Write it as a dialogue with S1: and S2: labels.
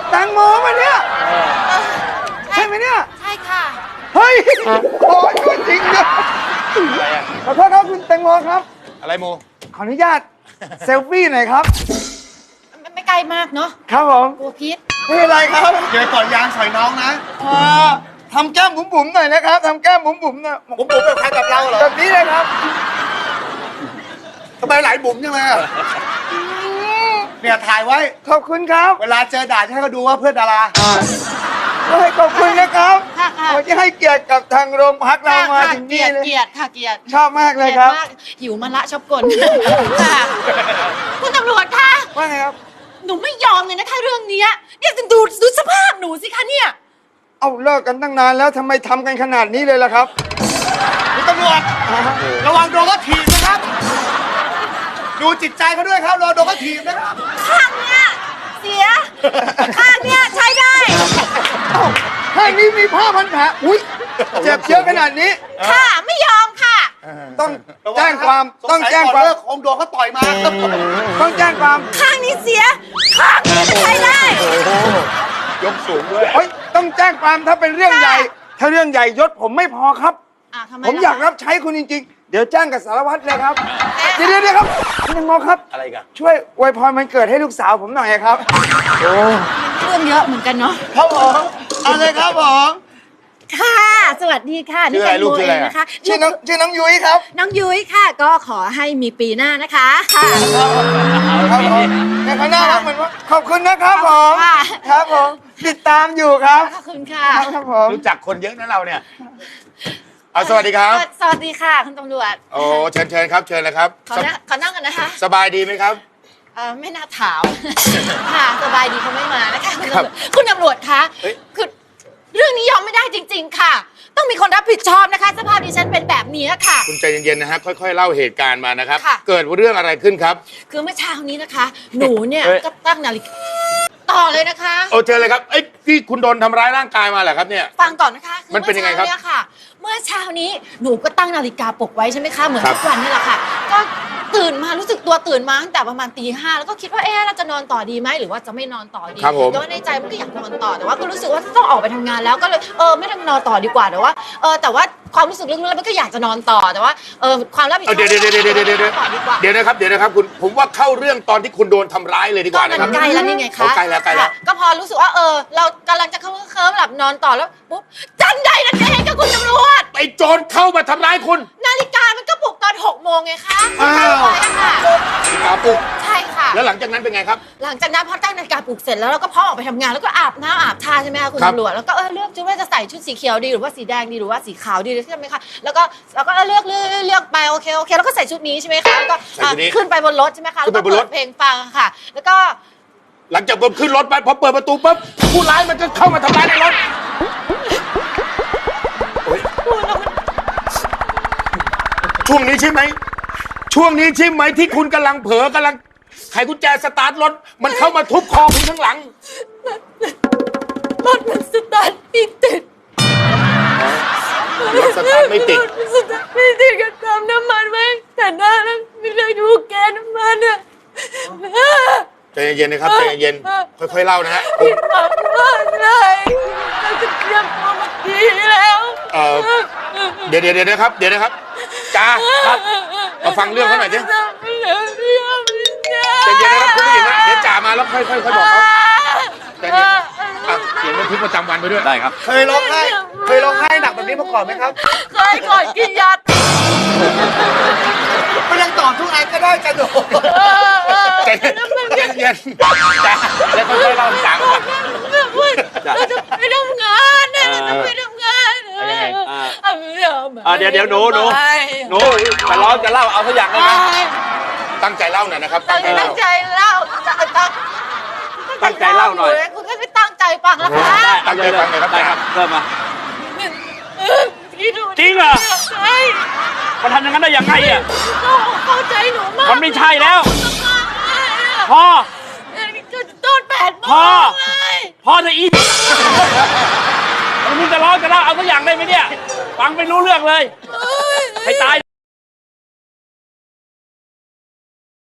S1: แตงโมมาเนี่ยใช่ไหมเนี่ย
S2: ใช่ค่ะ
S1: เฮ้ยโอ้ยตัวจริงเนี่ยขอโทษครับคุณแตงโมครับ
S3: อะไรโม
S1: ขออนุญาตเซลฟี่หน่อยครับ
S2: ไม่ไกลมากเนาะ
S1: ครับผม
S2: กลัวพิษ
S1: ไม่เป็นไรครับเดี๋ยวต่อยางใส่น้องนะทำแก้มบุ๋มๆหน่อยนะครับทำแก้มบุ๋มๆหน่อย
S3: บุ๋มแบบใครกับเราเหรอ
S1: แบบนี้เลยครับ
S3: ทำไมหลายบุ๋มจังเลยอะเนี่ยถ่ายไว้
S1: ขอบคุณครับ
S3: เวลาเจอด่าจะให้เขาดูว่าเพื่อนดารา
S1: ขอบคุณนะครับ
S2: ค่ะค่ะ
S1: ที่ให้เกียรติกับทางโรงพักเรามา
S2: ค่ะ
S1: ถึง
S2: เกลี
S1: นี่
S2: ยด
S1: เลย
S2: เกลียดค่ะเกลียด
S1: ชอบมากเลยครับ
S2: มากหิวมันละชอบกลค่ะคุณตำรวจคะ
S1: ว่าไงครับ
S2: หนูไม่ยอมเลยนะคะเรื่องเนี้ยเนี่ยดูสภาพหนูสิคะเนี่ย
S1: เอาเลิกกันตั้งนานแล้วทำไมทำกันขนาดนี้เลยล่ะครับ
S3: คุณตำรวจระวังโดนเขาถีบนะครับ ดูจิตใจเขาด้วยครับรอโดนเขาถีบนะครับ
S2: ข้างเนี้ยเสีย ข้างเนี้ยใช้ได้
S1: แค่นี้มีผ้าพันแผลอุ้ยเจ็บเยอะขนาดนี้
S2: ค่ะไม่ยอมค่ะ
S1: ต้องแจ้งความต้องแจ้งความ
S3: เลิกคงโดนเขาต่อยมาครับ
S1: ต้องแจ้งความ
S2: ข้างนี้เสีย ข้างนี้ใช้ได้
S3: ยกสูงด้วย
S1: เฮ้ยต้องแจ้งความถ้าเป็นเรื่องใหญ่ ถ้าเรื่องใหญ่ยศผมไม่พอครับ
S2: ทำไม
S1: ผมอยากรับใช้คุณจริงๆ เดี๋ยวแจ้งกับสารวัตรเลยครับ เดี๋ยวครับคุณตังโมครับ
S3: อะไรกัน
S1: ช่วยอวยพรวันเกิดให้ลูกสาวผมหน่อยครับ
S2: เรื่องเยอะเหมือนกันเนาะ
S1: ครับผมเอาเลยครับผม
S2: ค่ะ สวัสดีค่ะ
S3: ชื่ออะไร
S2: นี่
S3: ลูกชื่ออะไร
S2: เงนะคะ
S1: ชื่อน้องยุ้ยครับ
S2: น้องยุ้ยค่ะ ก็ขอให้มีปีหน้านะคะค่ะ
S1: ครับผมในข้างหน้าครับเหมือนว่าขอบคุณนะครับผม
S2: ค่ะ
S1: ครับผมติดตามอยู่ครับ
S2: ขอบคุณค่ะ
S1: ครับผม
S3: รู้จักคนเยอะนะเราเนี่ยเอาสวัสดีครับ
S2: สวัสดีค่ะคุณตำรวจ
S3: โอ้เชิญครับเชิญเลยครับ
S2: ขอนั่งกันนะคะ
S3: สบายดีไหมครับ
S2: ไม่น่าถาม ค่ะสบายดีเขาไม่มานะคะคุณ
S3: ครับ
S2: ตำรวจคุณตำรวจคะ
S3: เฮ้ย
S2: คือเรื่องนี้ยอมไม่ได้จริง ๆ ค่ะ ต้องมีคนรับผิดชอบนะคะ สภาพดิฉันเป็นแบบนี้ค่ะ
S3: คุณใจเย็นๆนะฮะค่อยๆเล่าเหตุการณ์มานะครับ
S2: ค่ะ
S3: เกิดเรื่องอะไรขึ้นครับ
S2: คือเมื่อเช้านี้นะคะ หนูเนี่ย
S3: เฮ้ย
S2: ก็ตั้งนาฬิกาต่อเลยนะคะ
S3: โอ้เชิญเลยครับเอ้ยที่คุณโดนทำร้ายร่างกายมาเหรอครับเนี่ย
S2: ฟังก่อนนะคะคือ
S3: มันเป็นยังไงครับ
S2: เมื่อเช้านี้หนูก็ตั้งนาฬิกาปลุกไว้ใช่ไหมคะเหมือน
S3: ครับ
S2: ทุกวันนี่แหละค่ะ ก็ตื่นมารู้สึกตัวตื่นมาตั้งแต่ประมาณตี 5แล้วก็คิดว่าเราจะนอนต่อดีไหมหรือว่าจะไม่นอนต่อดี
S3: ครับผม
S2: แต่ว่าในใจมันก็อยากนอนต่อแต่ว่าก็รู้สึกว่าต้องออกไปทำงานแล้วก็เลยไม่ทำนอนต่อดีกว่าแต่ว่าแต่ว่าความรู้สึกลึกๆแล้วมันก็อยากจะนอนต่อแต่ว่าความรับผิดชอบ
S3: เดี๋ยว
S2: ต่อดีกว่า
S3: เดี๋ยวนะครับคุณผมว่าเข้าเรื่องตอนที่คุณโดนทำร้ายเลยดีก
S2: ก็
S3: ว่า
S2: มั
S3: นะครับ
S2: นใกล้แล้วนี่ไง
S3: โอ้
S2: คะ
S3: ใกล้แล้ว
S2: ค่ะก็พอรู้สึกว่าเรากำลังจะเคลิ้มหลับนอนต่อแล้วปุ๊บจันใดนั่นเองก็คุณตำรวจ
S3: ไอ้โจรเข้ามาทำร้ายคุณ
S2: นาฬิกามันก็ปลุกตอน6 โมงไงคะ
S3: อ้าว
S2: ใช่ค่ะ
S3: กาปุก
S2: ใช่ค่ะ
S3: แล้วหลังจากนั้นเป็นไงครับ
S2: หลังจากนั้นพอตั้งนาฬิกาปลุกเสร็จแล้วเราก็พอออกไปทำงานแล้วก็อาบน้ำอาบท่าใช่ไหมคะคุณ
S3: ครับ
S2: ตำรวจแล้วก็เลือกชุดว่าจะใส่ชุดสีเขียวดีหรือว่าสีแดงดีหรือว่าสีขาวดีใช่ไหมคะแล้วก็เลือกไปโอเคแล้วก็ใส่ชุดนี้ใช่ไหมคะแล้วก็
S3: ใส่ชุดนี้
S2: ขึ้นไปบนรถใช่ไหมคะ
S3: ขึ้นไป
S2: แล้วก็
S3: บนร
S2: เปิ
S3: ถ
S2: ดเพลงฟังค่ะ แล้วก็
S3: หลังจากผมขึ้นรถไปพอเปิดประตูปุ๊บผู้ร้ายมันก็เข้ามาทำร้ายในรถโอ๊ยช่วงนี้ใช่ไหมช่วงนี้ใช่ไหมที่คุณกำลังเผลอกำลังไขกุญแจสตาร์ทรถมันเข้ามาทุบคอคุณข้างหลัง
S2: รถมันสตาร์ทไม่ติด
S3: รถสตาร์ทไม่ติด
S2: รถมันสตาร์ทไม่ติดก็เติมน้ำมันไว้แต่หน้าแล้วไม่เลยดูแกนน้ำมันอะ
S3: ใจเย็นๆนะครับใจเย็นๆค่อยๆเล่านะฮะ
S2: ผิดหวังมากเลยเราจะเตรียมตัวมาดีแล้ว
S3: เดี๋ยวนะครับจ้าครับมาฟังเรื่องเขาหน่อยสิใจเย็นนะครับคุณผู้หญิงนะเดี๋ยวจ่ามาแล้วค่อยบอกเขาใจเย็นอ่ะเขียนบันทึกประจำวันไปด้วยได้ครับ
S1: เคยร้องไห้หนักแบบนี้มาก่อนไหมครับ
S2: เคยก่อนกินยา
S1: ไม่ต้องตอบทุกอันก็ได้จะโดน
S3: ใจเย็นจ้าแล้วค่อยๆเล่าให้จ่าฟัง
S2: เราจะไปทำงานนะเราจะไปทำงาน
S4: เดี๋ยวหนูแต่ร้องจะเล่าเอาสักอย่างได้ไหม
S3: ตั้งใจเล่าหน่อยนะครับ
S2: ตั้งใจเล่า
S4: ตั้งใจเล่าหน่อย
S2: คุณก็ไม่ตั้งใจฟังแล้วคะ
S3: ตั้งใจฟังหน่อยครับ
S4: ได้ครับเริ่มมา จริงเหรอ
S2: ใช่
S4: มันทำอย่างนั้นได้ยังไงอ่ะ
S2: เข้าใจหนูมาก
S4: มันไม่ใช่แล้ว พอ
S2: ต้น8 โม
S4: พอ
S2: งเลย
S4: พอจะอีกมึงจะร้องจะเล่าเอาสักอย่างได้ไหมเนี่ย ฟังไม่รู้เรื่องเลย ให้ตาย